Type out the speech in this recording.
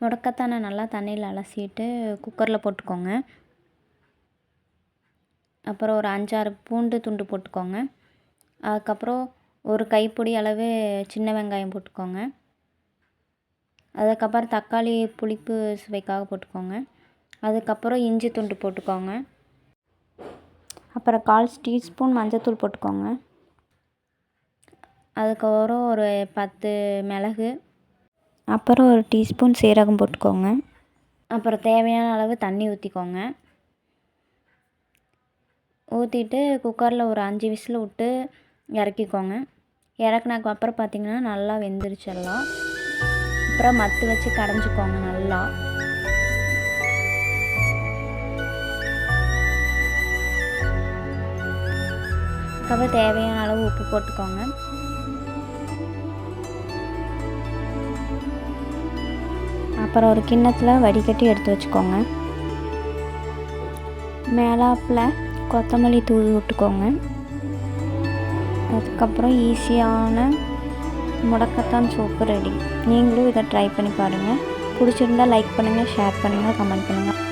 முடக்கத்தானை நல்லா தண்ணியில் அலசிட்டு குக்கரில் போட்டுக்கோங்க. அப்புறம் ஒரு 5-6 பூண்டு துண்டு போட்டுக்கோங்க. அதுக்கப்புறம் ஒரு கைப்பிடி அளவு சின்ன வெங்காயம் போட்டுக்கோங்க. அதுக்கப்புறம் தக்காளி புளிப்பு சுவைக்காக போட்டுக்கோங்க. அதுக்கப்புறம் இஞ்சி துண்டு போட்டுக்கோங்க. அப்புறம் 1/4 டீஸ்பூன் மஞ்சள்தூள் போட்டுக்கோங்க. அதுக்கப்புறம் ஒரு 10 மிளகு, அப்புறம் ஒரு டீஸ்பூன் சீரகம் போட்டுக்கோங்க. அப்புறம் தேவையான அளவு தண்ணி ஊற்றிக்கோங்க. ஊற்றிட்டு குக்கரில் ஒரு 5 விசில் விட்டு இறக்கிக்கோங்க. இறக்குனதுக்கு அப்புறம் பார்த்திங்கன்னா நல்லா வெந்துருச்சு எல்லாம். அப்புறம் மத்து வச்சு கடைஞ்சிக்கோங்க நல்லா. அதுக்கப்புறம் தேவையான அளவு உப்பு போட்டுக்கோங்க. அப்புறம் ஒரு கிண்ணத்தில் வடிகட்டி எடுத்து வச்சுக்கோங்க. மேலாப்பில் கொத்தமல்லி தூவி விட்டுக்கோங்க. அதுக்கப்புறம் ஈஸியான முடக்கத்தான் சூப்பு ரெடி. நீங்களும் இதை ட்ரை பண்ணி பாருங்கள். பிடிச்சிருந்தால் லைக் பண்ணுங்கள், ஷேர் பண்ணுங்கள், கமெண்ட் பண்ணுங்கள்.